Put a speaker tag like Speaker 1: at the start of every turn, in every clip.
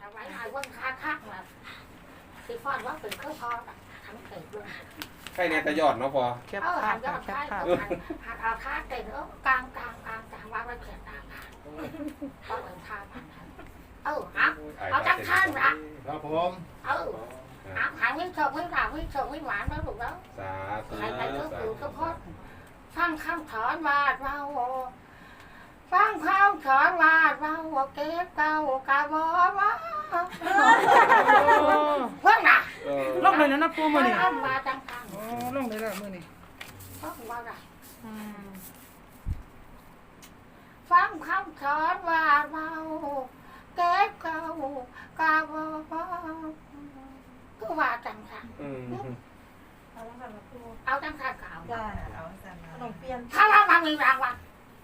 Speaker 1: เอาไว้หน่อยวันค้าคักนะที่ฟอนว่าเป็นเครื่องพอทั้งเต็มเลย
Speaker 2: ใครเนี่ยตะยอดเนาะพอ
Speaker 3: แคปภาพค่ะแคปภาพ
Speaker 1: หัดเอาท่าเต็มกลางว่าไว้เขียนตามก็เหมือนท่าพันเอาจังท่านละ
Speaker 4: ครับผม
Speaker 1: หางวิ่งโชว์วิ่งหลาวิ่งโชว์วิ่งหวานแล้วถูกแล้ว
Speaker 2: สาธุ
Speaker 1: ใครไปก็คือก็พอดฟังคำถอนวาดเราฟังคำถอนวาดเราเก็บเก่ากะบ่ว่าเพิ่งน่ะ
Speaker 3: ลงเลยนะปูมือนี่
Speaker 1: เอามาจังทัน
Speaker 3: อ๋อลงเลยแล้วมือนี่
Speaker 1: ฟังว่าไรฟังคำถอนวาดเราเก็บเก่ากะบ่ว่าก็ว่าจังทัน
Speaker 5: เอาแล้วกันนะครู
Speaker 1: เอาจังทันเก่า
Speaker 5: ได้เอาสั่นขนมเปี๊ยะ
Speaker 1: ถ้าเรามามีรางวัล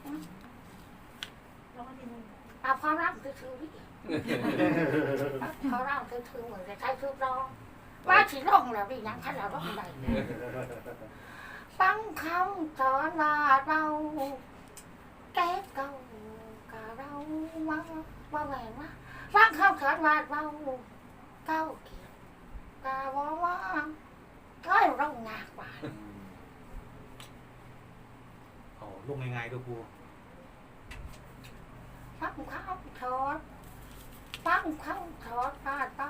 Speaker 5: แล้วก็ทีนึง
Speaker 1: เอาพอร่างคือชื่อวิพอร่างคือชื่อเหมือนจะใช้ชื่อรองว่าฉีร่องแล้วดิยังขันเราร่องใดฟังคำสอนว่าเราแก้เก่ากะเราว่าแหวนว่าฟังคำสอนว่าเราเก้าเกียรติกะว่าก็ร่องงากกว่า
Speaker 4: เอาลงง่ายๆดูปู
Speaker 1: ฟังคำสอนฟังคำสอนว่าเรา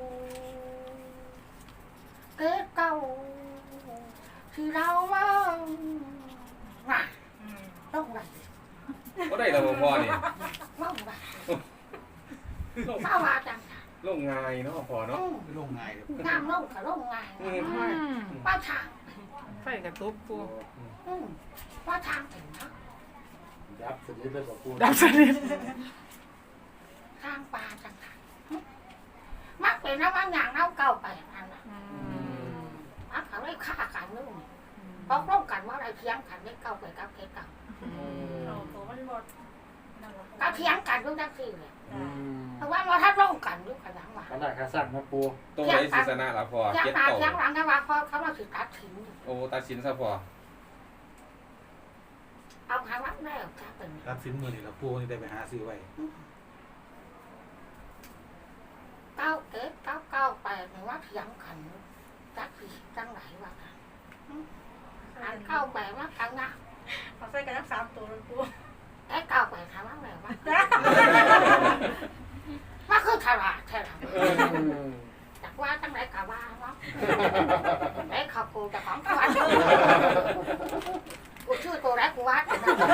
Speaker 1: เก้เก่าที่เราว่าร่องไร
Speaker 2: ก็ได้แล้วพอนี่
Speaker 1: ร่องไรข้าวาจัง
Speaker 2: ลงง่ายเนาะพอเนาะ
Speaker 4: ลงง่ายเลย
Speaker 1: น้ำร่องกับร่องไงป้าทาง
Speaker 3: ไฟกระตุกปู
Speaker 1: ป้าทางถึงนะ
Speaker 4: ยับสนิทเลยปู
Speaker 3: ดับสนิท
Speaker 1: ทางปลาจังมักเป็นน้ำมันอย่างน้ำเก่าไปนั่นน่ะมักเขาได้ฆ่ากันนู่นตกลงกันว่าอะไรเทียงกันได้เก่าไปกับเก่า
Speaker 5: เราโตมันหมดนั่นแหละ
Speaker 1: ก็เทียงกันด้วยทั้งสี่เลยเพราะว่าเราถ้าร่องกันด้วยกันทั้งวัน
Speaker 4: ขนาดขาสั่งนะปู
Speaker 2: ตัวไหนศิษนะล่ะพอ
Speaker 1: เทียง
Speaker 2: เจ็ด
Speaker 1: ตา
Speaker 2: โต
Speaker 1: เทียงหลังกันว่าพอเขาเราถือตัดทิ้ง
Speaker 2: โอ้ตัดสินซะพอ
Speaker 1: เอาคำว่าแรกจะเป็น
Speaker 4: รับสินมือนี่ละปูนี่ได้ไปหาซื้อไว้
Speaker 1: เก้าเก็ดเก้าไปหรือว่าเทียงกันจักผีจังไหนวะอันเก้าไปว่ากันนะ
Speaker 5: เอาใส่กันทั้ง3ตัวเลยครู
Speaker 1: ไอ้เก้าไปทำอะไรวะว่าคือฉลาดใช่ไหมจากว่าจังไหนกับว่าเนาะไอ้ขับกูจะของตัวกูชื่อตัวแรกกูว่า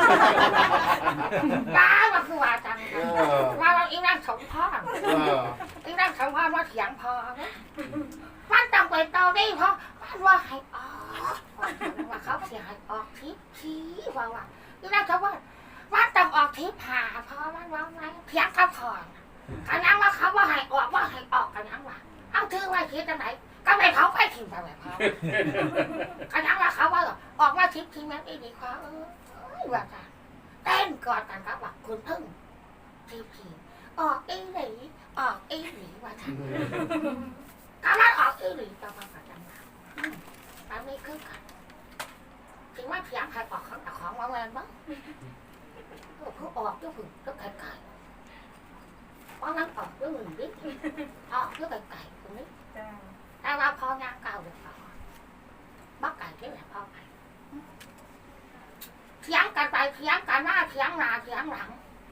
Speaker 1: บ้าว่าคือว่าจังว่าเราอีนั่งสมพรอีนั่งสมพรว่าเถียงพอมันต้องไปต่อได้เพราะมันว่าให้ออกว่าเขาเสียให้ออกทิพย์ชี้ว่าอีนั่งสมพรมันต้องออกทิพย์หาเพราะมันว่าไงเถียงกับพรกันยังว่าเขาว่าให้ออกกันยังว่าเอาถือไว้คิดจังไหนก็ไม่เขาไปทิ้งไปแบบเขากันยังว่าเขาว่าออกมาทิพย์ทิ้งแม่ไม่ดีกว่าว่ากันเต้นกอดกันครับว่าคุณพึ่งทิพย์ทิ้งออกอีหลีว่ากันก็มันออกอีหลีต่อมาประจังนะมันไม่คือกันถึงว่าเพียงใครออกของมาแวนบ้างเขาออกก็ฝึกก็ไก่เพราะนั้นออกก็หนึ่งนิดออกก็ไก่ตรงนี้
Speaker 5: จ้า
Speaker 1: แต่ว่าพองานเก่าเดี๋ยวบักไก่ที่ไหนพ่อไปเถียงกันไปเถียงกันหน้าเถียงหน้าเถียงหลัง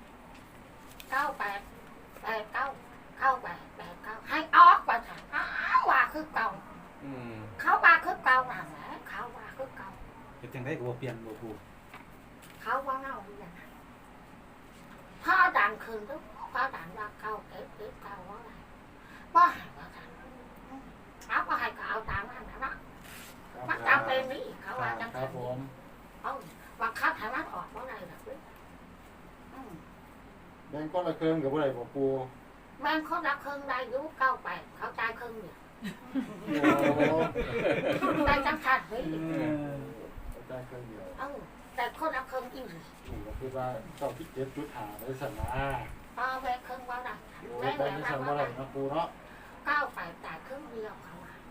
Speaker 1: 98 ให้ออกไปสั่งว่าคือเก่าเขาว่าคือเก่าหนังแหละเขาว่าคือเก่า
Speaker 4: เป็นจังได้ก็เปลี่ยนปู
Speaker 1: เขาว่าเงาอยู่อย่างนั้นพ่อดังคืนทุกพ่อดังว่าเก่าเก็บเก่าว่าอะไรว่าหายว่าสั่งเอาก็ให้ก็เอาตามนั้นนะมันจำเป็นนี่เขาว่าจัง
Speaker 4: ครับผม
Speaker 1: ว่าคัดให้มันออกว่าอะไรแบบนี้
Speaker 4: แบงก้อนละเครื่องกับอะไรปู
Speaker 1: แม่งเขารับเครื่องได้ยุ98เขาจ่ายเครื่องเดียวได้จังสันนี่
Speaker 4: ได้เครื่องเดียว
Speaker 1: แต่คนรับเครื่องอีก
Speaker 4: ก็คือว่าเจ้าที่7.5ได้สั่นนะ
Speaker 1: แม่เครื่องว่าได้
Speaker 4: ได้ได้สั่นว่าอะไรนะปูเนาะ
Speaker 1: 98จ่ายเครื่องเดียวเขาว่า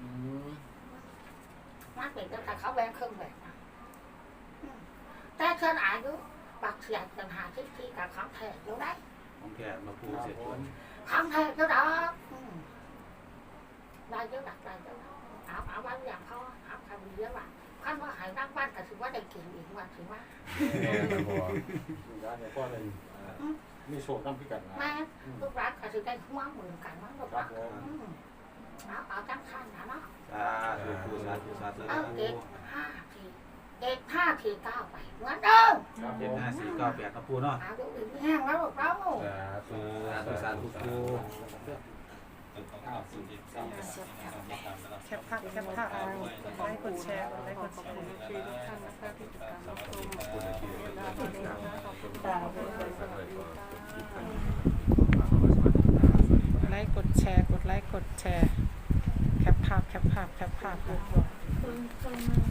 Speaker 1: มันเป็นแต่เขาแบ่งเครื่องแบบนะแต่เชิญอายุบักเสียปัญหาที่กับของแท้อยู่ได้
Speaker 4: ของแกมาปูเสร็จ
Speaker 1: ทำแท้เจ้าดอกได้เยอะดักได้เยอะเอาไว้อย่างเขาเอาทำเยอะว่ะท่านว่าหายนั่งบ้านแต่ถือว่าได้เก่งอีกว่าถือว่า
Speaker 2: แม่ครับพ่อ
Speaker 4: อยู่ร้านเนี่ยพ่อเลยมีโชว์น้ำพิกันนะ
Speaker 1: แม่ลูกรักก็ถือได้หัวเหมือนกันมั้งลูก
Speaker 4: ครั
Speaker 1: รั
Speaker 4: บ
Speaker 1: ก
Speaker 4: ผม
Speaker 1: เอาจังขันนะเนาะ
Speaker 6: สาธุปูสาธุสาธุ
Speaker 1: เอาเด็ก5 ที 9 ไปเหมือนเดิม
Speaker 4: ครับผ
Speaker 6: เจ็ด
Speaker 4: ม
Speaker 6: ห้าสี่เก้าแปดนะปูเนาะ
Speaker 1: เอาดูดีแห้งแล้วลูกเรา
Speaker 2: สาธุ
Speaker 6: สาธุสาธุปู
Speaker 3: แคปภาพแคปภาพกดไลค์กดแชร์กดไลค์กดแชร์ทุกท่านนะคะที่ติดตามรับชมกดไลค์กดแชร์กดไลค์กดแชร์แคปภาพแคปภาพแคปภาพค่ะ